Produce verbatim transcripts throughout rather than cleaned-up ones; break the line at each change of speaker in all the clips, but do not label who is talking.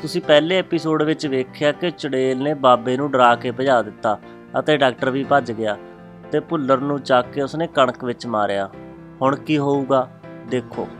ਤੁਸੀਂ ਪਹਿਲੇ ਐਪੀਸੋਡ ਵਿੱਚ ਵੇਖਿਆ ਕਿ ਚੁੜੇਲ ਨੇ ਬਾਬੇ ਨੂੰ ਡਰਾ ਕੇ ਭਜਾ ਦਿੱਤਾ ਅਤੇ ਡਾਕਟਰ ਵੀ ਭੱਜ ਗਿਆ ਤੇ ਭੁੱਲਰ ਨੂੰ ਚੱਕ ਕੇ ਉਸਨੇ ਕਣਕ ਵਿੱਚ ਮਾਰਿਆ। ਹੁਣ ਕੀ ਹੋਊਗਾ ਦੇਖੋ।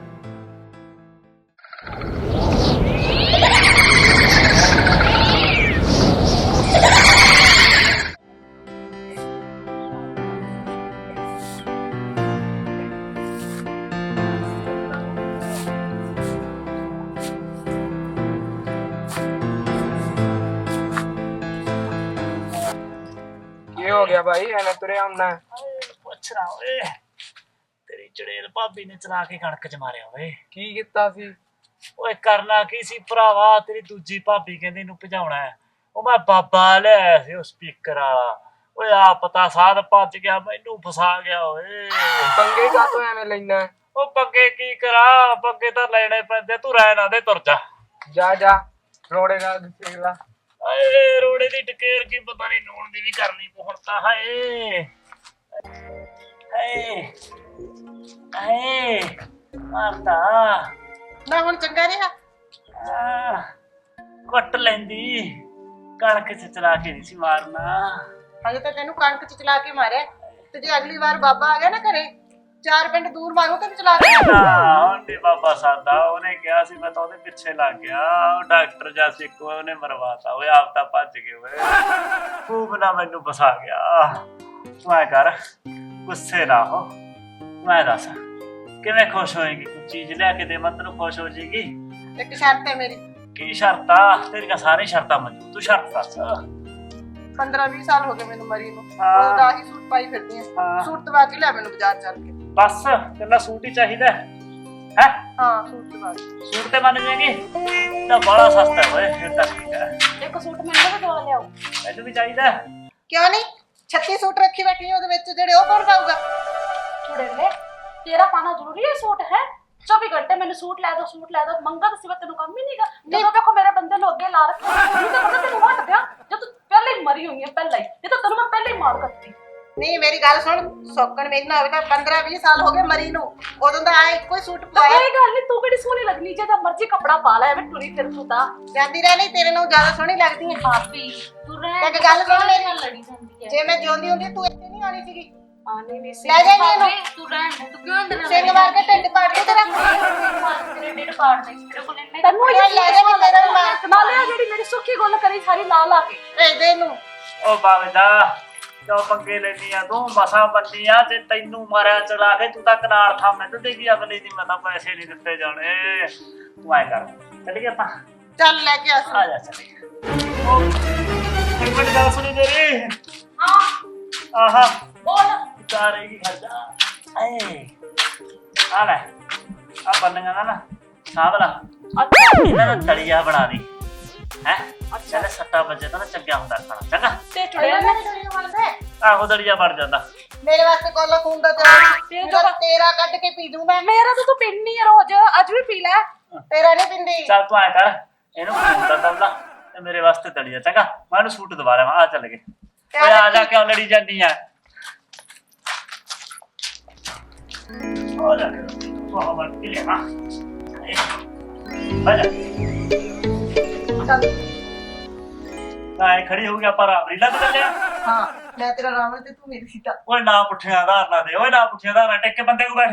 हो गया भाई एने तुरे आउंदा
ਪੁੱਛ ਰਾ ਓਏ ਤੇਰੀ ਚੜੇਲ ਭਾਬੀ ਨੇ ਚਲਾ ਕੇ ਕਣਕ ਚ ਮਾਰਿਆ ਓਏ।
की कीता सी
ਓਏ ਕਰਨਾ ਕੀ ਸੀ ਭਰਾਵਾ, ਤੇਰੀ ਦੂਜੀ ਭਾਬੀ ਕਹਿੰਦੀ ਨੂੰ ਭਜਾਉਣਾ ਹੈ। ਉਹ ਮੈਂ ਬਾਬਾ ਲਿਆਇਆ ਸੀ ਉਹ ਸਪੀਕਰ ਵਾਲਾ। ਓਏ ਆ ਪਤਾ ਸਾਧ ਭੱਜ ਗਿਆ, ਮੈਨੂੰ ਫਸਾ ਗਿਆ ਓਏ।
पंगे का तो एवें लेना
ਉਹ ਪੱਗੇ ਕੀ ਕਰਾਂ, ਪੱਗੇ ਤਾਂ ਲੈਣੇ ਪੈਂਦੇ। ਤੂੰ ਰਹਿ ਨਾ ਦੇ, ਤੁਰ ਜਾ
जा जा रोड़े का देख ला
ਆਏ। ਰੋੜੇ ਦੀ ਟਕੇਰ ਕੀ ਪਤਾ ਨਹੀਂ, ਨੂਣ ਦੀ ਵੀ ਕਰਨੀ ਪਹੁਣ ਤਾਂ। ਹਾਏ ਹਾਏ ਹਾਏ ਮਾਰਤਾ
ਨਾ ਹੁਣ ਚੰਗਾ ਰਿਹਾ।
ਆਹ, ਕੁੱਟ ਲੈਂਦੀ, ਕਣਕ ਚ ਚਲਾ ਕੇ ਨਹੀਂ ਸੀ ਮਾਰਨਾ।
ਹਜੇ ਤਾਂ ਤੈਨੂੰ ਕਣਕ ਚ ਚਲਾ ਕੇ ਮਾਰਿਆ, ਤੇ ਜੇ ਅਗਲੀ ਵਾਰ ਬਾਬਾ ਆ ਗਿਆ ਨਾ ਘਰੇ, ਚਾਰ ਪਿੰਡ ਦੂਰ ਮਾਰੂ ਤੇ ਚਲਾ ਕੇ
ਉਹਨੇ ਬਾਬਾ ਸਾਦਾ ਉਹਨੇ ਕਿਹਾ ਸੀ, ਮੈਂ ਤਾਂ ਉਹਦੇ ਪਿੱਛੇ ਲੱਗ ਗਿਆ। ਉਹ ਡਾਕਟਰ ਜਾ ਸੀ ਇੱਕ ਉਹਨੇ ਮਰਵਾਤਾ ਓਏ, ਆਪ ਤਾਂ ਭੱਜ ਗਏ ਓਏ। ਖੂਬ ਨਾ ਮੈਨੂੰ ਫਸਾ ਗਿਆ। ਤੂੰ ਐ ਕਰ, ਗੁੱਸੇ ਨਾ ਹੋ। ਮੈਂ ਦੱਸ ਕਿਵੇਂ ਖੁਸ਼ ਹੋਏਗੀ? ਕੋਈ ਚੀਜ਼ ਲਿਆ ਕੇ ਦੇਵਾਂ ਤੈਨੂੰ ਖੁਸ਼ ਹੋ ਜਾਏਗੀ?
ਇੱਕ ਸ਼ਰਤ ਹੈ ਮੇਰੀ।
ਕੀ ਸ਼ਰਤ ਆ? ਤੇਰੀਆਂ ਸਾਰੀ ਸ਼ਰਤਾਂ ਮੰਨੂ, ਤੂੰ ਸ਼ਰਤ ਦੱਸ।
ਪੰਦਰਾਂ ਵੀਹ ਸਾਲ ਹੋ ਗਏ ਮੈਨੂੰ ਮਰੀ ਨੂੰ,
ਹਾਂ।
ਉਹਦਾ ਹੀ ਸੂਟ ਪਾਈ ਫਿਰਦੀ
ਹਾਂ।
ਆ। ਸੂਟ ਦਵਾ ਕੇ ਲੈ ਮੈਨੂੰ ਬਾਜ਼ਾਰ ਚੱਲ ਕੇ।
ਬਸ ਤੈਨੂੰ ਸੂਟ ਹੀ ਚਾਹੀਦਾ ਹੈ?
ਹਾਂ ਸੂਟ ਦਵਾ ਕੇ।
ਸੂਟ ਤੇ ਮੰਨ ਜਾਏਗੀ ਤਾਂ ਬੜਾ ਸਸਤਾ ਓਏ। ਫਿਰ ਤਾਂ ਠੀਕ ਹੈ,
ਇੱਕ ਸੂਟ ਮੈਨੂੰ ਵੀ ਦਵਾ ਲਿਆਓ।
ਮੈਨੂੰ ਵੀ ਚਾਹੀਦਾ।
ਕਿਉਂ ਨਹੀਂ? ਛੱਤੀ ਸੂਟ ਰੱਖੀ ਬੈਠੀ ਉਹਦੇ ਵਿੱਚ, ਜਿਹੜੇ ਉਹ ਕੌਣ ਪਾਊਗਾ?
ਚੁੜੇਲੇ ਤੇਰਾ ਪਾਣਾ ਜ਼ਰੂਰੀ ਹੈ ਸੂਟ ਹੈ? ਚੌਵੀ ਘੰਟੇ ਮੈਨੂੰ ਸੂਟ ਲੈ ਦੋ ਸੂਟ ਲੈ ਦੋ ਮੰਗਾ ਤਾਂ ਸਿਵਾ ਤੈਨੂੰ ਕੰਮ ਹੀ ਨਹੀਂਗਾ। ਜਦੋਂ ਦੇਖੋ ਮੇਰੇ ਬੰਦੇ ਨੂੰ ਅੱਗੇ ਲਾ ਰੱਖਿਆ, ਨਹੀਂ ਤਾਂ ਪਤਾ ਤੈਨੂੰ ਹਟ ਗਿਆ ਜਦ ਤੂੰ ਪਹਿਲੇ ਹੀ ਮਰੀ ਹੋਈ ਹੈ। ਪਹਿਲਾਂ ਹੀ ਇਹ ਤਾਂ ਤੈਨੂੰ ਮੈਂ ਪਹਿਲੇ ਹੀ ਮਾਰ ਕਰਤੀ।
ਨਹੀਂ ਮੇਰੀ ਗੱਲ ਸੁਣ, ਸੌਕਣ ਮੇਰੀ ਨਾ ਹੋਵੇ ਤਾਂ ਪੰਦਰਾਂ ਵੀਹ ਸਾਲ ਹੋ ਗਏ ਮਰੀ ਨੂੰ, ਉਦੋਂ ਦਾ ਆ ਇੱਕੋ ਹੀ ਸੂਟ ਪਾਇਆ।
ਕੋਈ ਗੱਲ ਨਹੀਂ, ਤੂੰ ਕਿਹੜੀ ਸੋਹਣੀ ਲੱਗਣੀ, ਜੇ ਤਾਂ ਮਰਜ਼ੀ ਕੱਪੜਾ ਪਾ ਲੈ ਐਵੇਂ ਟੁਰੀ ਫਿਰ ਤੂੰ ਤਾਂ
ਜਾਂਦੀ ਰਹਿ ਨਹੀਂ, ਤੇਰੇ ਨੂੰ ਜ਼ਿਆਦਾ ਸੋਹਣੀ ਲੱਗਦੀ ਹੈ।
ਭਾਬੀ ਤੂੰ ਰਹਿ
ਤੇ ਗੱਲ ਸੁਣ ਮੇਰੀ,
ਲੜੀ ਜਾਂਦੀ ਹੈ।
ਜੇ ਮੈਂ ਜਿਉਂਦੀ ਹੁੰਦੀ ਤੂੰ ਇੱਥੇ ਨਹੀਂ ਆਣੀ ਸੀਗੀ।
ਆਨੇ ਨਹੀਂ ਸੀ
ਲੈ ਜਾ ਇਹਨੂੰ।
ਤੂੰ ਰਹਿਣ ਦੇ, ਤੂੰ ਕਿਉਂ ਅੰਦਰ
ਸਿੰਘ ਮਾਰ ਕੇ ਢਿੱਡ ਪਾੜ ਕੇ ਤੇਰਾ।
ਤੇਰੇ ਢਿੱਡ ਪਾੜ ਦੇ ਤੇਰੇ ਕੋਲ ਇੰਨੇ
ਤੈਨੂੰ ਇਹ ਲੈ ਜਾ ਮੈਂ ਤੇਰਾ ਵੀ ਮਾਰ
ਨਾਲੇ ਆ ਜਿਹੜੀ ਮੇਰੀ ਸੁੱਖੀ ਗੁੱਲ ਕਰੀ ਸਾਰੀ ਲਾ ਲਾ ਕੇ
ਭੇਜ ਦੇ ਇਹਨੂੰ।
ਉਹ ਬਾਵੇਦਾ ਕਿਉਂ ਪੰਗੇ ਲੈਣੀ ਆ ਤੂੰ? ਮਸਾਂ ਬੰਨੀ ਆ ਤੇ ਤੈਨੂੰ ਮਾਰਿਆ ਚਲਾ ਕੇ ਤੂੰ ਤਾਂ ਕਨਾਲ ਥਾ ਮੈਨੂੰ ਦੇ ਗਈ ਅਗਲੀ ਦੀ। ਮੈਂ ਤਾਂ ਪੈਸੇ ਨਹੀਂ ਦਿੱਤੇ ਜਾਣੇ। ਤੂੰ ਐ ਕਰ, ਚੱਲ ਗਿਆ ਆਪਾਂ।
ਚੱਲ ਲੈ ਕੇ ਆ।
ਆ ਜਾ ਚੱਲ। ਉਹ ਇੱਕ ਮਿੰਟ ਗੱਲ ਸੁਣੀ ਮੇਰੀ।
ਹਾਂ
ਆਹਾ
ਬੋਲ
ਚਾਰੇਗੀ ਖਰਚਾ। ਏ ਆ ਲੈ ਆ ਬੰਨਗਾ ਨਾ ਨਾ ਸਾਂਭ ਲਾ।
ਅੱਛਾ
ਇਹਨਾਂ ਦਾ ਤਲੀਆ ਬਣਾ ਦੀ ਹੈ। ਅੱਛਾ ਲੈ ਸੱਟਾ ਵੱਜੇ ਤਾਂ ਨਾ ਚੰਗਾ ਹੁੰਦਾ ਖਾਣਾ। ਚੰਗਾ
ਤੇ ਚੁੜੇਲੇ
ਆਹੋ ਦਲੀਆ ਬਣ ਜਾਂਦਾ।
ਮੇਰੇ ਵਾਸਤੇ ਕੋਲਾ ਖੂਨ ਦਾ ਤੇਰਾ ਤੇਰਾ ਕੱਢ ਕੇ ਪੀ ਦੂੰ ਮੈਂ।
ਮੇਰਾ ਤਾਂ ਤੂੰ ਪੀਣੀ ਹੈ ਰੋਜ਼, ਅੱਜ ਵੀ ਪੀ ਲੈ।
ਤੇਰਾ ਨਹੀਂ ਪਿੰਦੀ।
ਚੱਲ ਤੂੰ ਐ ਕਰ, ਇਹਨੂੰ ਖੂਨ ਦਾ ਦਵਲਾ ਤੇ ਮੇਰੇ ਵਾਸਤੇ ਦਲੀਆ। ਚੰਗਾ ਮੈਂ ਇਹਨੂੰ ਸੂਟ ਦਵਾ ਲਿਆ। ਆ ਚੱਲ ਗਏ। ਓਏ ਆ ਜਾ, ਕਿਉਂ ਲੜੀ ਜਾਂਦੀ ਆ? ਆ ਜਾ ਬਹੁਤ ਮਰ ਕੇ ਲਿਆ। ਆ ਜਾ
ਚੱਲ
ਕਾਏ ਖੜੀ ਹੋ ਗਿਆ ਪਰ ਰੀਲਾ ਤੇ ਚੱਲਿਆ।
ਹਾਂ ਮੈਂ ਤੇਰਾ ਰਾਵਣ ਤੇ ਤੂੰ ਮੇਰੀ ਸੀਤਾ।
ਓਏ ਨਾ ਪੁੱਠਿਆ ਆਧਾਰ ਨਾ ਦੇ। ਓਏ ਨਾ ਪੁੱਠਿਆ ਆਧਾਰ ਟਿਕ ਕੇ ਬੰਦੇ ਕੋ ਬੈਠ।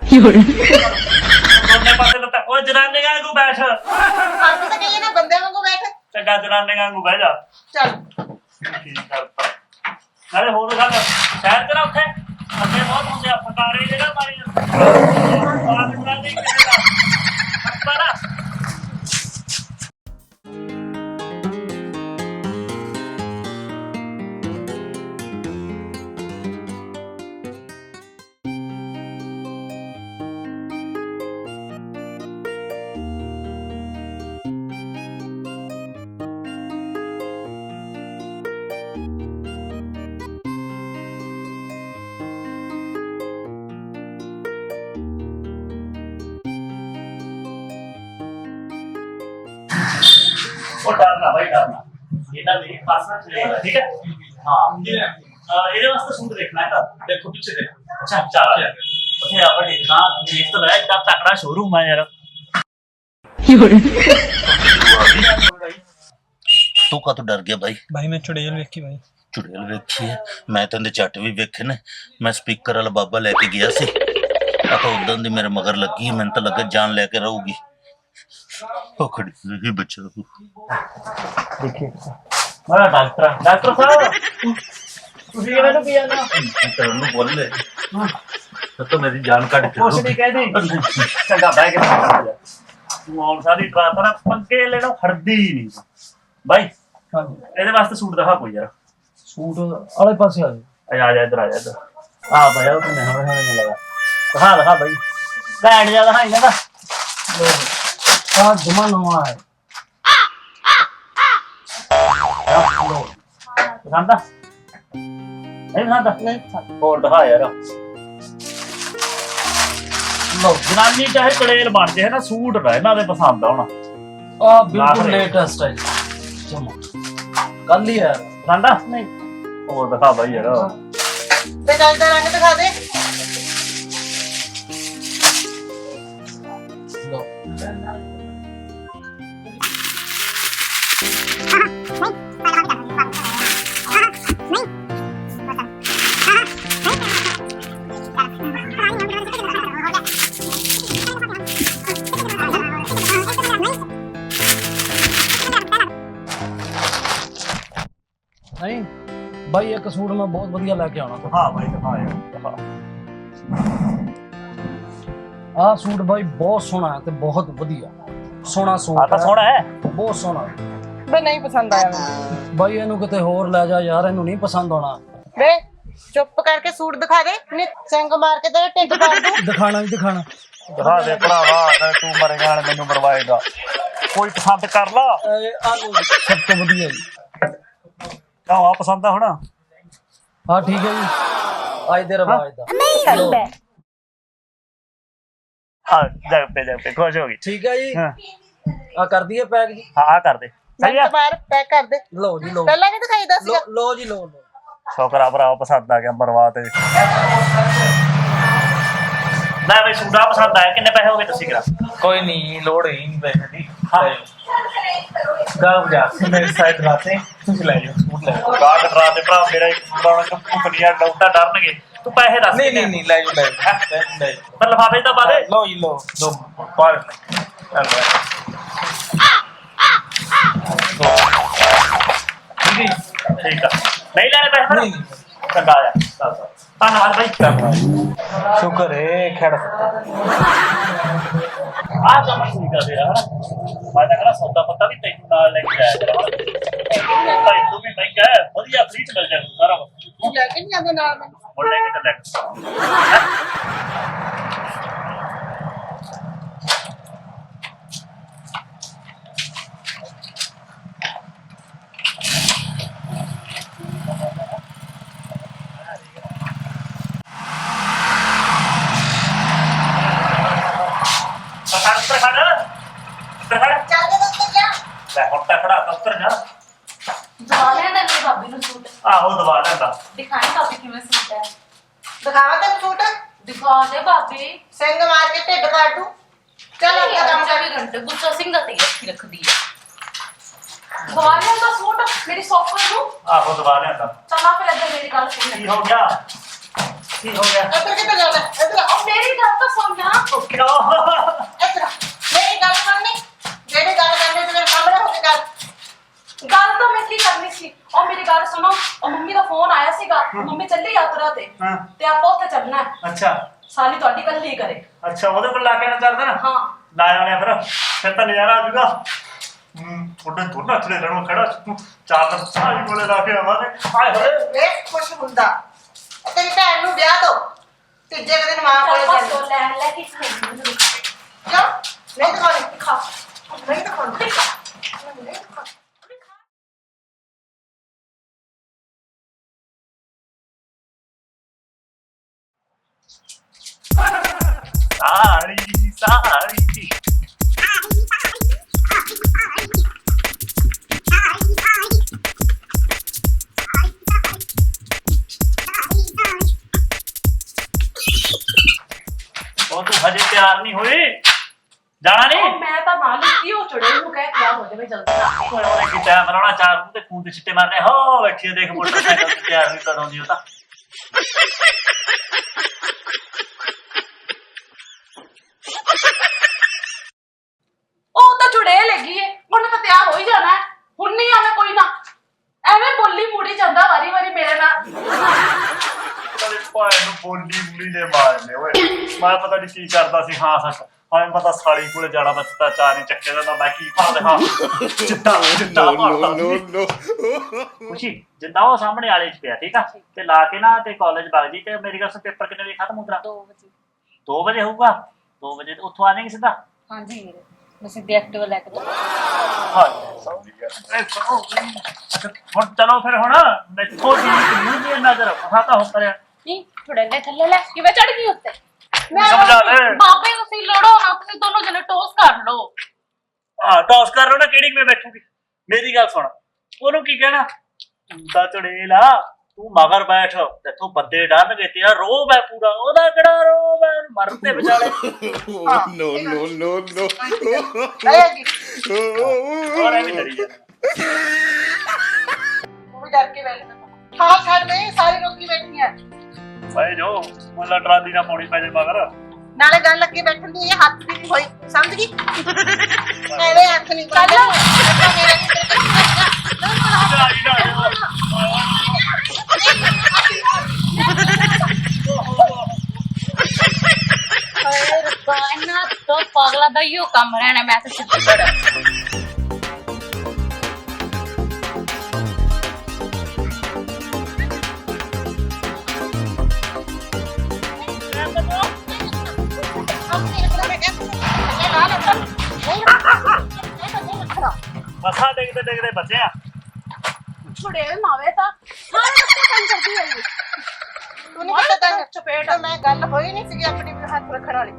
ਦੋਨੇ ਪਾਸੇ ਲੱਤਾਂ। ਓਏ ਜਨਾਨੀਆਂ ਕੋ ਬੈਠ।
ਅੱਜ ਤਾਂ ਕਹੀਏ ਨਾ ਬੰਦੇ ਵਾਂਗੂ ਬੈਠ।
ਚੰਗਾ ਜਨਾਨੀਆਂ ਕੋ ਬਹਿ ਜਾ।
ਚੱਲ
ਕੀ ਕਰਤਾ ਨਾਲੇ ਹੋਰ ਗੱਲ ਸ਼ਹਿਰ ਤੇ ਨਾ ਉੱਥੇ ਅੱਗੇ ਬਹੁਤ ਹੁੰਦੇ ਆ ਫਕਾਰੇ ਜਿਹੜਾ ਮਾਰੀ ਬਾਤ ਕਰਦੀ ਕਿਸੇ ਦਾ ਪਰ ਉਹ ਡਰਨਾ ਭਾਈ ਡਰਨਾ ਇਹਦਾ ਮੇਰੇ ਪਾਸ ਨਾ ਚਲੇਗਾ। ਠੀਕ ਹੈ ਹਾਂ ਇਹਦੇ ਵਾਸਤੇ ਸੂਟ ਦੇਖਣਾ ਹੈ ਤਾਂ ਦੇਖੋ ਪਿੱਛੇ ਦੇਖ। ਅੱਛਾ ਚੱਲ ਉੱਥੇ ਆ ਵੱਡੀ ਦੁਕਾਨ ਦੇਖ ਤਾਂ ਲੈ, ਇੱਡਾ ਤਕੜਾ ਸ਼ੋਰੂਮ ਹੈ ਯਾਰ।
भाई
ਤੂੰ ਕਾਹਤੋਂ ਡਰ ਗਿਆ ਬਾਈ?
भाई मैं चुड़ैल वेखी भाई।
ਚੁੜੇਲ ਵੇਖੀ ਹੈ? ਮੈਂ ਤਾਂ ਉਹਦੇ ਝੱਟ ਵੀ ਵੇਖੇ ਨੇ। ਮੈਂ ਸਪੀਕਰ ਵਾਲਾ ਬਾਬਾ ਲੈ ਕੇ ਗਿਆ ਸੀ। ਆ ਤਾਂ ਉਦੋਂ ਦੀ ਮੇਰੇ ਮਗਰ ਲੱਗੀ, ਮੈਨੂੰ ਤਾਂ ਲੱਗਾ ਜਾਨ ਲੈ ਕੇ ਰਹੂਗੀ। ਉਹ ਖੜੀ ਰਹੀ ਬੱਚਾ।
ਦੇਖੀ ਮੇਰਾ ਡਾਕਟਰ ਡਾਕਟਰ ਸਾਹਿਬ ਤੁਸੀਂ ਕਿਹਨਾਂ ਨੂੰ ਪਿਆ ਨਾ
ਤੈਨੂੰ ਬੋਲੇ ਤਾਂ ਮੇਰੀ ਜਾਨ ਕੱਢ ਕੇ
ਕੁਛ ਨਹੀਂ ਕਹਿੰਦੀ ਚੰਗਾ ਬਹਿ ਕੇ ਕਰ ਜਾ ਤੂੰ ਆਉਣ ਸਾਰੀ ਟਰਾਤ ਨਾ ਪੰਗੇ ਲੈਣਾ ਹੜਦੀ ਨਹੀਂ ਬਾਈ ਇਹਦੇ ਵਾਸਤੇ ਸੂਟ ਦਿਖਾ ਕੋਈ ਯਾਰ
सूट वाले पास आ
ਆ ਜਾ ਇੱਧਰ ਆ ਜਾ ਇੱਧਰ ਆ ਭਾਈ ਉਹ ਤੂੰ ਹੋਣਾ ਨਹੀਂ ਲੱਗਾ ਦਿਖਾ ਦਿਖਾ ਬਾਈ ਘੈਂਟ ਜਿਆਦਾ ਹਾਂ ਇਹਨਾਂ ਦਾ
आ जमा नवा है।
ਪਸੰਦ ਆ ਨਹੀਂ ਪਸੰਦ ਨਹੀਂ ਹੋਰ ਦਿਖਾ ਯਾਰ ਲੋ ਜਨਾਨੀ ਚਾਹੇ ਕੜੇਲ ਬਣ ਜੇ ਹੈ ਨਾ ਸੂਟ ਨਾ ਇਹਨਾਂ ਦੇ ਪਸੰਦ ਆਉਣਾ
आ बिल्कुल लेटेस्ट है जमा कल ही है।
ਪਸੰਦ ਆ ਨਹੀਂ ਹੋਰ ਦਿਖਾ ਬਾਈ ਯਾਰ
ਤੇ ਚੱਲ ਦਾ ਰੰਗ ਦਿਖਾ ਦੇ।
लो नहीं भाई एक सूट मैं बहुत बढ़िया लेके आना था।
ਦਿਖਾ ਬਾਈ ਦਿਖਾ ਯਾਰ ਦਿਖਾ
आ सूट भाई बहुत सोहना है ते बहुत बढ़िया सोहना
ਆ
सूट
ਤਾਂ
है
ਸੋਹਣਾ ਹੈ
बहुत सोहना।
ਬੇ ਨਹੀਂ ਪਸੰਦ ਆਇਆ ਮੈਨੂੰ।
भाई ਇਹਨੂੰ ਕਿਤੇ ਹੋਰ ਲੈ ਜਾ ਯਾਰ, ਇਹਨੂੰ ਨਹੀਂ ਪਸੰਦ ਆਉਣਾ।
ਬੇ ਚੁੱਪ ਕਰਕੇ ਸੂਟ ਦਿਖਾ ਦੇ ਨਹੀਂ ਸੰਗ ਮਾਰ ਕੇ ਤੇਰੇ ਢਿੱਡ ਪਾੜ ਦੂੰ।
ਦਿਖਾਣਾ ਨਹੀਂ ਦਿਖਾਣਾ।
ਦਿਖਾ ਦੇ ਭਰਾਵਾ ਨਾ ਤੂੰ ਮਰੇਗਾ ਨਾਲ ਮੈਨੂੰ ਮਰਵਾਏਗਾ ਕੋਈ ਪਸੰਦ ਕਰ ਲਾ
ਇਹ ਆ ਲਓ ਜੀ, ਸਭ ਤੋਂ ਵਧੀਆ ਜੀ।
ਕਿਉਂ ਆ ਪਸੰਦ ਆ ਹੁਣ
ਹਾਂ ਠੀਕ ਹੈ ਜੀ, ਅੱਜ ਦੇ ਰਿਵਾਜ ਦਾ।
ਆ ਜਗ ਪੇ ਜਗ ਪੇ ਖੁਸ਼ ਹੋ ਗਈ
ਠੀਕ ਹੈ ਜੀ,
ਹਾਂ
ਆ ਕਰ ਦਈਏ ਪੈਕ ਜੀ।
ਹਾਂ ਆ ਕਰ ਦੇ ਸਹੀ ਆ
ਮਿੰਟ ਮਾਰ ਪੈਕ ਕਰ ਦੇ।
ਲਓ ਜੀ ਲਓ
ਪਹਿਲਾਂ ਨਹੀਂ ਦਿਖਾਈਦਾ ਸੀਗਾ।
ਲਓ- ਲਓ ਜੀ ਲਓ ਲਓ।
ਸ਼ੁਕਰਾ ਭਰਾ ਪਸੰਦ ਆ ਗਿਆ ਮਰਵਾ ਤੇ ਮੈਂ ਬਈ ਸੂਟਾ ਪਸੰਦ ਆਇਆ ਕਿੰਨੇ ਪੈਸੇ ਹੋ ਗਏ ਤੁਸੀਂ ਕਰਾ
कोई नहीं लोड ही नहीं पैसे दी
हाँ।
गाँव जा मेरे साइड राते कुछ ले जाओ सूट ले जाओ
ਗਾਹ ਕਟਰਾ ਤੇ ਭਰਾ ਮੇਰਾ ਪੁਰਾਣਾ ਕੰਪਨੀਆਂ ਡਾਊਟਾ ਡਰਨਗੇ ਤੂੰ ਪੈਸੇ ਦੱਸ
नहीं नहीं नहीं ले जाओ ले जाओ ले जाओ
ਪਰ ਲਫਾਫੇ ਤਾਂ ਬਾਦੇ
लो ये लो दो पार चल ठीक है
ਠੀਕ ਆ ਨਹੀਂ ਲੈਣੇ ਪੈਸੇ
नहीं नहीं
ਚੰਗਾ ਆ ਦੱਸ ਧੰਨਵਾਦ ਬਾਈ
शुक्र है खेड़ सकता
ਆ ਕੰਮ ਠੀਕ ਆ ਤੇਰਾ ਹਨਾ ਮੈਂ ਤਾਂ ਕਹਿੰਦਾ ਸੌਦਾ ਪੱਤਾ ਵੀ ਤੈਨੂੰ ਨਾਲ ਲੈ ਕੇ ਆਇਆ ਕਰਾਂ ਭਾਈ ਤੂੰ ਵੀ ਮਹਿੰਗਾ ਹੈ ਵਧੀਆ ਫ੍ਰੀ ਚ ਮਿਲ ਜਾਣਾ ਸਾਰਾ ਕੁਛ
ਤੂੰ ਲੈ ਕੇ ਨਹੀਂ ਆਉਂਦਾ ਨਾਲ ਮੈਨੂੰ।
ਹੁਣ ਲੈ ਕੇ ਚੱਲਿਆ ਪਸੰਦ ਪਰ ਖੜਾ ਪਰ ਖੜਾ
ਚੱਲ ਦੇ ਉੱਤੇ ਜਾ।
ਲੈ ਹੁਣ ਤਾਂ ਖੜਾ ਦਫ਼ਤਰ ਜਾ
ਦਵਾ ਲਿਆ ਨਾ ਮੇਰੀ ਭਾਬੀ ਨੂੰ ਸੂਟ
ਆਹੋ ਦਵਾ ਲੈਂਦਾ
ਦਿਖਾਈ ਭਾਬੀ ਕਿਵੇਂ ਸੂਟ ਹੈ
ਦਿਖਾਵਾ ਤੈਨੂੰ ਸੂਟ
ਦਿਖਾ ਦੇ ਭਾਬੀ।
ਸਿੰਘ ਮਾਰ ਕੇ ਢਿੱਡ ਪਾੜ ਦੂੰ। ਚੱਲ ਆਪਣਾ ਕੰਮ ਕਰ।
ਚੌਵੀ ਘੰਟੇ ਗੁੱਸਾ ਸਿੰਘ ਦਾ ਤੇ ਰੱਖੀ ਰੱਖਦੀ ਹੈ। ਦਵਾ ਲਿਆ ਤਾਂ ਸੂਟ ਮੇਰੀ ਸੌਕਰ ਨੂੰ।
ਆਹੋ ਦਵਾ ਲੈਂਦਾ
ਚਲਾ ਫਿਰ ਇੱਧਰ ਮੇਰੀ ਗੱਲ ਸੁਣ
ਕੀ ਹੋ ਗਿਆ ਕੀ ਹੋ ਗਿਆ
ਇੱਧਰ ਕਿੱਥੇ ਜਾਣਾ? ਇੱਧਰ ਆ।
ਉਹ ਮੇਰੀ ਗੱਲ ਤਾਂ ਸੁਣ ਨਾ।
ਉਹ ਕਿਉਂ
ਇੱਧਰ ਆ। ਮੇਰੀ ਗੱਲ ਸੁਣਨੀ। ਜਿਹੜੀ ਗੱਲ ਕਰਨੀ ਤੇ ਮੇਰੇ ਸਾਹਮਣੇ ਹੋ ਕੇ ਕਰ।
ਗੱਲ ਤਾਂ ਮੈਂ ਕੀ ਕਰਨੀ ਸੀ। ਉਹ ਮੇਰੀ ਗੱਲ ਸੁਣੋ, ਉਹ ਮੰਮੀ ਦਾ ਫੋਨ ਆਇਆ ਸੀਗਾ, ਮੰਮੀ ਚੱਲੀ ਯਾਤਰਾ ਤੇ
ਹਾਂ।
ਤੇ ਆਪਾਂ ਉੱਥੇ ਚੱਲਣਾ ਹੈ।
ਅੱਛਾ
ਸਾਲੀ ਤੁਹਾਡੀ ਗੱਲ ਹੀ ਕਰੇ।
ਅੱਛਾ ਉਹਦੇ ਕੋਲ ਲਾ ਕੇ ਨਾ ਚੱਲਦਾ ਨਾ
ਹਾਂ
ਲਾਇਆ ਵਾਲਿਆ ਫਿਰ ਫਿਰ ਤਾਂ ਨਜ਼ਾਰਾ ਆ ਜੂਗਾ ਹੂੰ ਤੁਹਾਡੇ ਦੋਨਾਂ ਚਲੇ ਰਣੋਂ ਖੜਾ ਸੀ। ਚਾਰ ਤਾਂ ਸਾਰੀ ਕੋਲੇ ਲਾ ਕੇ ਆਵਾਂਗੇ ਹਾਏ ਹੋਏ
ਵੇਖ ਖੁਸ਼ ਹੁੰਦਾ। ਇਹ ਤੇਰੀ ਭੈਣ ਨੂੰ ਵਿਆਹ ਦੋ। ਤੀਜੇ ਕੁ ਦਿਨ ਮਾਂ ਕੋਲੇ
ਚੱਲ ਬਸ
ਚੱਲ।
ਉਹ ਲੈ ਲੈ ਕੇ ਖਾਈ ਮੈਨੂੰ ਦਿਖਾ
ਕਿਉਂ? ਨਹੀਂ ਦਿਖਾਉਣੀ।
ਦਿਖਾ
ਨਹੀਂ ਦਿਖਾਉਣੀ। ਨਹੀਂ ਦਿਖਾਉਣੀ।
ਸਾੜੀ ਸਾੜੀ ਉਹ ਤੂੰ ਹਜੇ ਤਿਆਰ ਨਹੀਂ ਹੋਈ ਜਾਣਾ ਨਹੀਂ
ਉਹ ਮੈਂ ਤਾਂ ਨਾਲ ਹੀ ਉਹ ਚੜੇ ਨੂੰ ਕਹਿ ਤਿਆਰ ਹੋ ਜਾਵੇ ਜਲਦੀ ਨਾਲ।
ਓਏ ਉਹਨੇ ਕੀ ਟਾਈਮ ਲਾਉਣਾ ਚਾਰ ਨੂੰ ਤੇ ਖੂਨ ਦੇ ਛਿੱਟੇ ਮਾਰਨੇ ਹੋ ਬੈਠੀ ਆ, ਦੇਖ ਮੋਟਰਸਾਈਕਲ ਤੇ ਤਿਆਰ ਵੀ ਕਦੋਂ ਦੀ ਉਹ ਤਾਂ
ਉਹ ਤਾਂ ਚੁੜੇ ਲੱਗੀ ਏ, ਉਹਨੇ ਤਾਂ ਤਿਆਰ ਹੋ ਹੀ ਜਾਣਾ ਹੈ। ਹੁਣ ਨਹੀਂ ਆਵੇਂ ਕੋਈ ਨਾ, ਐਵੇਂ ਬੋਲੀ ਮੂੜੀ ਜਾਂਦਾ ਵਾਰੀ ਵਾਰੀ ਮੇਰੇ ਨਾਲ।
ਕਦੇ ਭਾਏ ਨੂੰ ਬੋਲੀ ਬੁਲੀ ਨੇ ਮਾਰਨੇ ਓਏ। ਮੈਂ ਪਤਾ ਨਹੀਂ ਕੀ ਕਰਦਾ ਸੀ। ਹਾਂ ਸੱਚ ਹਾਂ ਪਤਾ ਸਾਲੀ ਕੋਲੇ ਜਾਣਾ ਮੈਂ ਤਾਂ ਚਾਰ ਹੀ ਚੱਕੇ ਦਾ ਮੈਂ ਕੀ ਭਾਲਦੇ ਹਾਂ ਚਿੱਟਾ ਚਿੱਟਾ ਮਾਰਦਾ ਖੁਸ਼ੀ ਜਿੱਦਾਂ ਉਹ ਸਾਹਮਣੇ ਵਾਲੇ ਚ ਪਿਆ ਠੀਕ ਆ ਤੇ ਲਾ ਕੇ ਨਾ ਤੇ ਕਾਲਜ ਵਗ ਜੀ ਤੇ ਮੇਰੀ ਗੱਲ ਸੇ ਪੇਪਰ ਕਿੰਨੇ ਵਜੇ ਖਤਮ ਹੁੰਦਾ?
ਦੋ ਵਜੇ।
ਦੋ ਵਜੇ ਹੋਊਗਾ। ਦੋ ਵਜੇ ਉੱਥੋਂ ਆ ਜਾਏਗੀ ਸਿੱਧਾ?
ਹਾਂਜੀ ਵੀਰੇ, ਮੈਂ ਸਿੱਧੀ ਐਕਟਿਵਾ ਲੈ ਕੇ
ਹਾਂ ਅੱਛਾ ਹੁਣ ਚਲੋ ਫਿਰ ਹੁਣ ਮੈਥੋਂ ਦੀ ਕਿੰਨੀ ਦੀ ਨਜ਼ਰ ਫਸਾ ਤਾਂ ਹੋ ਕਰਿਆ
ਨਹੀਂ ਥੋੜੇ ਲੈ ਥੱਲੇ ਲੈ ਕਿਵੇਂ ਚੜ ਗਈ ਉੱਤੇ?
ਸਮਝਾ ਲੈ
ਬਾਬੇ ਤੁਸੀਂ ਲੜੋ ਨਾ, ਤੁਸੀਂ ਦੋਨੋਂ ਜਣੇ ਟੋਸ ਕਰ ਲਓ।
ਹਾਂ ਟੌਸ ਕਰ ਲਓ ਨਾ, ਕਿਹੜੀ ਮੈਂ ਬੈਠੂਗੀ? ਮੇਰੀ ਗੱਲ ਸੁਣ, ਉਹਨੂੰ ਕੀ ਕਹਿਣਾ ਤੂੰ ਤਾਂ ਚੜੇਲ ਆ, ਤੂੰ ਮਗਰ ਬੈਠ ਤੇਥੋਂ ਬੰਦੇ ਡਰਨਗੇ, ਤੇਰਾ ਰੋਬ ਹੈ ਪੂਰਾ, ਉਹਦਾ ਕਿਹੜਾ ਰੋਬ ਹੈ ਮਰਨ ਤੇ ਵਿਚਾਲੇ।
no no no no
ਆਏਗੀ
ਹੋਰ ਐਵੇਂ ਡਰੀ ਜਾਂਦਾ
ਉਹ ਵੀ ਡਰ ਕੇ ਬੈਠ ਹਾਂ ਛੱਡ ਦੇ, ਸਾਰੀ ਰੋਕੀ ਬੈਠੀ ਹੈ।
ਭਾਈ ਜੋ ਮੁੱਲਾ ਟਰਾਲੀ ਨਾ ਪੌੜੀ ਪੈ ਜੇ ਮਗਰ।
ਨਾਲੇ ਗੱਲ ਅੱਗੇ ਬੈਠਣ ਦੀ ਇਹ ਹੱਥ ਦੀ ਨਹੀਂ ਹੋਈ, ਸਮਝ ਗਈ? ਐਵੇਂ ਹੱਥ ਨਹੀਂ ਚੱਲ
ਹਾਏ ਰੱਬਾ, ਇਹਨਾਂ ਤੋਂ ਪਾਗਲਾ ਦਾ ਹੀ ਕੰਮ ਰਹਿਣਾ। ਮੈਂ ਤਾਂ ਸਿੱਧੀ ਬੜਾ
ਮੱਥਾ ਡੇਗਦੇ ਡੇਗਦੇ ਬਚੇ ਆ।
ਛੁੜੇ ਮਾਵੇ ਤਾਂ ਸਾਰੇ ਰਸਤੇ ਕੰਮ ਕਰਦੀ ਹੋਈ।
ਤੂੰ ਨਹੀਂ ਪਤਾ ਤੈਨੂੰ
ਚਪੇਟ
ਤਾਂ ਮੈਂ ਗੱਲ ਹੋਈ ਨਹੀਂ ਸੀਗੀ ਆਪਣੀ ਹੱਥ ਰੱਖਣ ਵਾਲੀ।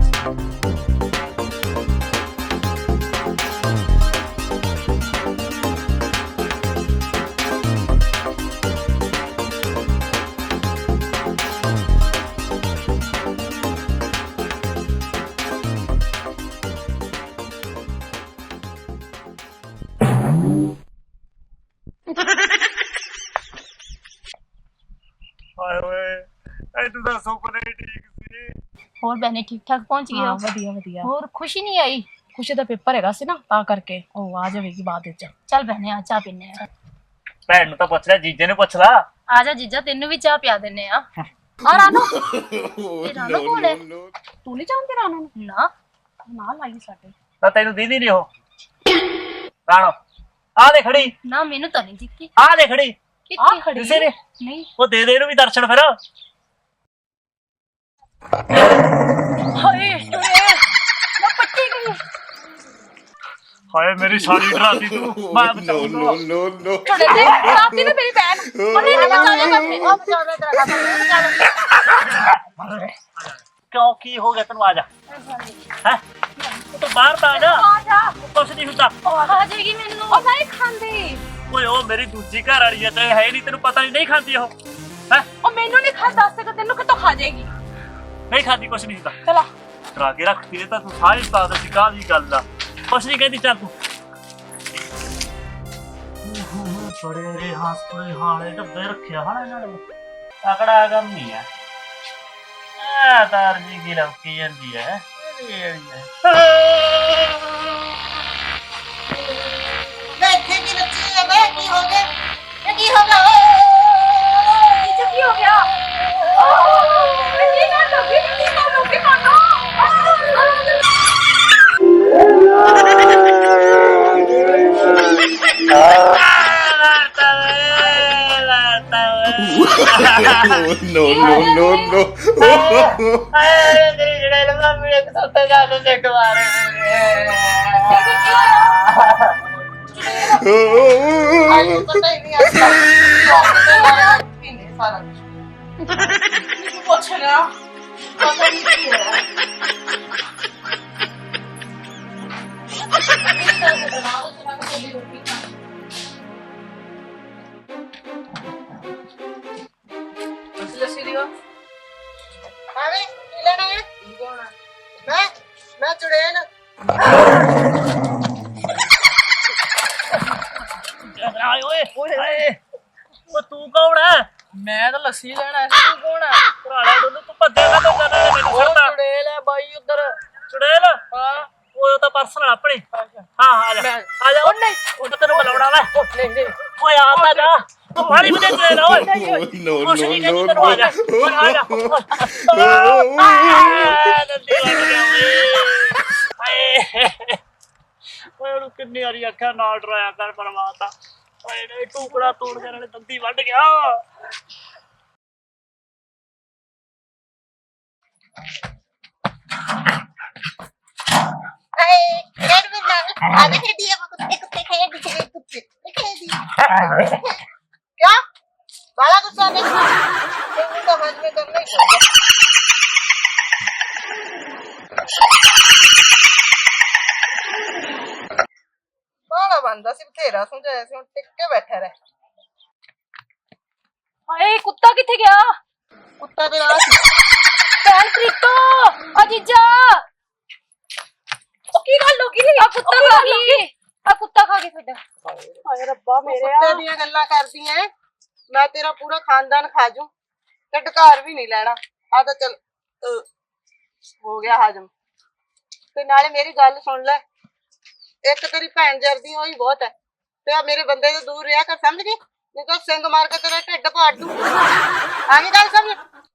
ਹਾਏ ਓਏ ਇਹ ਤੂੰ ਤਾਂ ਸੁਪਨੇ ਠੀਕ ਸੀ।
ਹੋਰ ਬੈਨੇ ਠੀਕ ਠਾਕ ਪਹੁੰਚ ਗਏ ਹੋ?
ਵਧੀਆ ਵਧੀਆ।
ਹੋਰ ਖੁਸ਼ੀ ਨਹੀਂ ਆਈ?
ਖੁਸ਼ੀ ਦਾ ਪੇਪਰ ਹੈਗਾ ਸੀ ਨਾ ਤਾਂ ਕਰਕੇ ਉਹ ਆ ਜਾਵੇਗੀ ਬਾਅਦ ਵਿੱਚ।
ਚੱਲ ਬੈਨੇ ਆ ਚਾਹ ਪੀਨੇ ਆ।
ਭੈਣ ਨੂੰ ਤਾਂ ਪੁੱਛ ਲੈ, ਜੀਜੇ ਨੂੰ ਪੁੱਛ ਲਾ।
ਆ ਜਾ ਜੀਜਾ, ਤੈਨੂੰ ਵੀ ਚਾਹ ਪਿਆ ਦਿੰਨੇ ਆ। ਆ ਰਾਨੋ, ਇਹ ਰਾਨੋ ਕੋਲ ਹੈ?
ਤੂੰ ਨਹੀਂ ਜਾਣਦੀ ਰਾਣੋ ਨੂੰ?
ਨਾ
ਨਾਲ ਆਈ ਸਾਡੇ।
ਤਾਂ ਤੈਨੂੰ ਦੀਦੀ ਨਹੀਂ ਉਹ ਰਾਣੋ ਆ ਦੇ ਖੜੀ,
ਨਾ ਮੈਨੂੰ ਤਾਂ ਨਹੀਂ ਦਿਖੀ।
ਆ ਦੇ ਖੜੀ
ਕਿੱਥੇ ਖੜੀ?
ਕਿਸੇ ਨੇ
ਨਹੀਂ।
ਉਹ ਦੇ ਦੇ ਇਹਨੂੰ ਵੀ ਦਰਸ਼ਨ ਫਿਰ।
ਹਾਏ ਟੁਰੇ, ਮੈਂ ਪੱਟੀ ਗਈ।
ਹਾਏ ਮੇਰੀ ਸਾਲੀ ਡਰਾਤੀ ਤੂੰ। ਮੈਂ
no no no no
ਟੁਰੇ ਦੇ ਰਾਤੀ ਤੇ ਮੇਰੀ ਭੈਣ ਉਹਨੇ ਨਾ ਬਚਾ ਲਿਆ ਆਪਣੇ।
ਉਹ ਬਚਾਉਣਾ ਤੇਰਾ ਕੰਮ ਹੈ।
ਕਿਉਂ ਕੀ ਹੋ ਗਿਆ ਤੈਨੂੰ? ਆ ਜਾ ਹੈ ਤੂੰ ਬਾਹਰ ਤਾਂ ਆ ਜਾ।
ਆ ਜਾ,
ਕੁਛ ਨਹੀਂ ਹੁੰਦਾ।
ਉਹ ਖਾ ਜਾਏਗੀ ਮੈਨੂੰ। ਉਹ ਨਹੀਂ ਖਾਂਦੀ।
ਓਏ ਉਹ ਮੇਰੀ ਦੂਜੀ ਘਰ ਵਾਲੀ ਹੈ ਤੇ ਹੈ ਨਹੀਂ, ਤੈਨੂੰ ਪਤਾ ਨਹੀਂ ਨਹੀਂ ਖਾਂਦੀ ਉਹ ਹੈ?
ਉਹ ਮੈਨੂੰ ਨਹੀਂ ਖਾ, ਦੱਸ ਤੇ ਤੈਨੂੰ ਕਿਤੋਂ ਖਾ ਜਾਏਗੀ।
ਨਹੀਂ ਖਾਂਦੀ, ਕੁਛ ਨਹੀਂ ਹੁੰਦਾ।
ਚਲਾ
ਕਰਾ ਕੇ ਰੱਖਤੀ ਇਹ ਤਾਂ ਤੂੰ ਸਾਰੀ ਸਤਾਦ ਸੀ ਕਾਹਦੀ ਗੱਲ ਆ। ਕੁਛ ਨਹੀਂ ਕਹਿੰਦੀ, ਚੱਲ ਤੂੰ। ਬੜੇ ਰੇ ਹਾਸਪਤਾਲ ਹਾਲੇ ਡੱਬੇ ਰੱਖਿਆ ਹਣਾ ਇਹਨਾਂ ਨੇ। ਤਕੜਾ ਕੰਮ ਨਹੀਂ ਆ। ਆ ਤਾਰ ਜੀ ਕੀ ਲੌਕੀ ਜਾਂਦੀ ਹੈ।
ਮੈਂ ਇੱਥੇ ਕੀ ਰੱਖੀ ਹੈ? ਮੈਂ ਕੀ ਹੋ ਗਿਆ? ਇਹ ਕੀ ਹੋ ਗਿਆ?
ਇਹ ਕੀ ਹੋ ਗਿਆ? ਕੀ ਕਰ ਲੋਗੇ? ਕੀ ਕਰ ਲੋਗੇ ਮਾਨੋ?
no no no no
ਆਏ ਤੇਰੀ ਜਿਹੜੇ ਲੰਮਾ ਮੇਰੇ ਸੱਤੇ ਜਾ ਕੇ ਸਿੱਟ ਮਾਰੇ
ਆਈ ਪਤਾ ਹੀ ਨਹੀਂ ਆਇਆ ਕਿੰਨੇ ਸਾਰਾ ਕੁਝ ਪੁੱਛ ਲਿਆ ਪਤਾ ਨਹੀਂ ਕੀ ਹੋਇਆ। ਆਵੇਂ ਕੀ ਲੈਣਾ ਹੈ? ਮੈਂ ਮੈਂ ਚੁੜੇਲ
ਆਏ ਓਏ ਓਏ ਉਹ ਤੂੰ ਕੌਣ ਹੈ?
ਮੈਂ ਤਾਂ ਲੱਸੀ ਲੈਣ ਆਇਆ ਸੀ, ਤੂੰ ਕੌਣ ਆ?
ਭਰਾਲਾ ਡੋਲੂ ਤੂੰ ਭੱਜਿਆ ਕਾ ਤੋਂ ਜਾਣਾ ਮੈਨੂੰ
ਉਹ
ਛੱਡਦਾ
ਚੁੜੇਲ ਹੈ ਬਾਈ ਉਧਰ।
ਚੁੜੇਲ
ਹਾਂ
ਉਹ ਤਾਂ ਪਰਸਨਲ ਆਪਣੀ ਹਾਂ ਆ ਜਾ ਆ ਜਾ ਉਹ ਨਹੀਂ ਉਹ ਤੈਨੂੰ ਬੁਲਾਉਣਾ ਵਾ
ਨਹੀਂ ਨਹੀਂ
ਓਏ ਆ ਤਾਂ ਜਾ ਤੂੰ ਮਾਰੀ ਮੈਨੂੰ ਚੁੜੇਲ ਓਏ ਨੋ ਨੋ ਨੋ ਨੋ ਆ ਜਾ ਆ ਜਾ ਨੰਦੀ ਲੱਗ ਗਿਆ ਓਏ ਓਏ ਉਹਨੂੰ ਕਿੰਨੀ ਵਾਰੀ ਅੱਖਾਂ ਨਾਲ ਡਰਾਇਆ ਕਰ ਪਰਮਾਤਾ ਓਏ ਨਹੀਂ ਟੁਕੜਾ ਤੋੜ ਕੇ ਨਾਲੇ ਦੰਦੀ ਵੱਢ ਗਿਆ
ਹਾਏ ਖੇਡ ਵੀ ਨਾ ਆ ਦੇ ਖੇਡੀ ਆ ਕੁੱਤੇ ਕੁੱਤੇ ਖੇਡ ਕੁੱਤੇ ਕੁੱਤੇ ਖੇਡੀ क्या बाला गुस्सा नहीं तेरे तो हाथ में करना ही पड़ेगा बाला बंदा सिर्फ तेरा समझाया सी टिक के बैठा रहे
ਹਾਏ ਕੁੱਤਾ ਕਿੱਥੇ ਗਿਆ?
कुत्ता तेरा आ सी
ਭੈਣ ਪ੍ਰੀਤੋ ਆ ਜੀਜਾ
ਉਹ ਕੀ ਗੱਲ ਹੋ ਗਈ?
ਆ ਕੁੱਤਾ ਖਾ ਗਈ ਆ ਕੁੱਤਾ ਖਾ ਗਈ ਤੁਹਾਡਾ।
ਹਾਏ ਰੱਬਾ ਮੇਰੇ
कुत्ते दियां गल्लां करदी हैं मैं तेरा पूरा खानदान खा जूं ते ढकार भी नहीं लेना आ तो चल अ, हो गया हाजम ते नाले मेरी गल सुन ले एक तेरी भैन जरदी होई बहुत है ते आ मेरे बंदे तो दूर रहा कर समझ गई नहीं तो सिंग मार के तेरा ढिड पाड़ दूं आगे गल समझ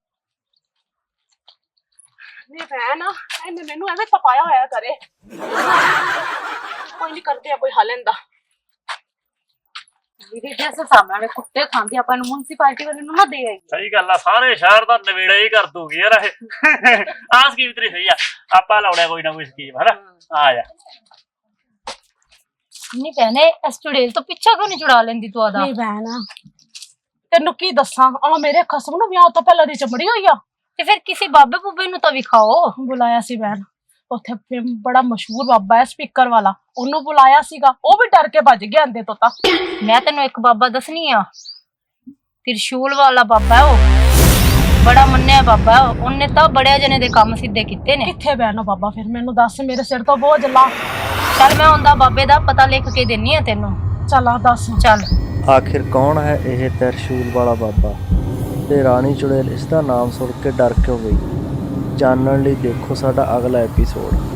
ਨਹੀਂ ਭੈਣ ਇਹਨੇ ਮੈਨੂੰ ਐਵੇਂ ਤਪਾਇਆ ਹੋਇਆ ਕਰੇ ਕੋਈ ਨਹੀਂ ਕਰਦੇ ਆ ਕੋਈ ਹੱਲ ਇਹਦਾ
ਵੀਰੇ ਜੈਸੇ ਸਾਹਮਣੇ ਵਾਲੇ ਕੁੱਤੇ ਖਾਂਦੇ ਆਪਾਂ ਨੂੰ ਮੁਨਸੀਪਾਲਿਟੀ ਵਾਲੇ ਨੂੰ ਨਾ ਦੇ ਆਈ।
ਸਹੀ ਗੱਲ ਆ ਸਾਰੇ ਸ਼ਹਿਰ ਦਾ ਨਵੇੜਾ ਹੀ ਕਰ ਦੂਗੀ ਯਾਰ ਇਹ ਆਹ ਸਕੀਮ ਤੇਰੀ ਸਹੀ ਆ ਆਪਾਂ ਲਾਉਣਾ ਕੋਈ ਨਾ ਕੋਈ ਸਕੀਮ ਹਨਾ ਆ ਜਾ
ਨਹੀਂ ਭੈਣੇ ਇਸ ਚੁੜੇਲ ਤੋਂ ਪਿੱਛਾ ਕਿਉਂ ਨਹੀਂ ਛੁਡਾ ਲੈਂਦੀ ਤੂੰ ਆਦਾ?
ਨਹੀਂ ਭੈਣ ਤੈਨੂੰ ਕੀ ਦੱਸਾਂ ਆ ਮੇਰੇ ਖਸਮ ਨੂੰ ਵਿਆਹ ਤੋਂ ਪਹਿਲਾਂ ਦੀ ਚਮੜੀ ਹੋਈ ਆ
ਤੇ ਫਿਰ ਕਿਸੇ ਬਾਬੇ ਬੁੱਬੇ ਨੂੰ ਤਾਂ ਵਿਖਾਓ।
ਬੁਲਾਇਆ ਸੀ ਭੈਣ ਉੱਥੇ ਬੜਾ ਮਸ਼ਹੂਰ ਬਾਬਾ ਹੈ ਸਪੀਕਰ ਵਾਲਾ ਉਹਨੂੰ ਬੁਲਾਇਆ ਸੀਗਾ ਉਹ ਵੀ ਡਰ ਕੇ ਭੱਜ ਗਿਆ ਅੰਦੇ ਤੋਂ ਤਾਂ
ਮੈਂ ਤੈਨੂੰ ਇੱਕ ਬਾਬਾ ਦੱਸਣੀ ਆ ਤਿਰਸ਼ੂਲ ਵਾਲਾ ਬਾਬਾ ਹੈ ਉਹ ਬੜਾ ਮੰਨਿਆ ਬਾਬਾ ਉਹਨੇ ਤਾਂ ਬੜਿਆ ਜਣੇ ਦੇ ਕੰਮ ਸਿੱਧੇ ਕੀਤੇ ਨੇ।
ਕਿੱਥੇ ਭੈਣ ਉਹ ਬਾਬਾ ਫਿਰ ਮੈਨੂੰ ਦੱਸ ਮੇਰੇ ਸਿਰ ਤੋਂ ਬੋਝ ਲਾ
ਚੱਲ ਮੈਂ ਉਹਦਾ ਬਾਬੇ ਦਾ ਪਤਾ ਲਿਖ ਕੇ ਦਿੰਨੀ ਆ ਤੈਨੂੰ।
ਚੱਲ ਆ ਦੱਸ
ਚੱਲ
ਆਖਿਰ ਕੌਣ ਹੈ ਇਹ ਤਿਰਸ਼ੂਲ ਵਾਲਾ ਬਾਬਾ ਤੇ ਰਾਣੀ ਚੁੜੇਲ ਇਸ ਦਾ ਨਾਮ ਸੁਣ ਕੇ ਡਰ ਕਿਉਂ ਗਈ? ਜਾਣਨ ਲਈ ਦੇਖੋ ਸਾਡਾ ਅਗਲਾ ਐਪੀਸੋਡ।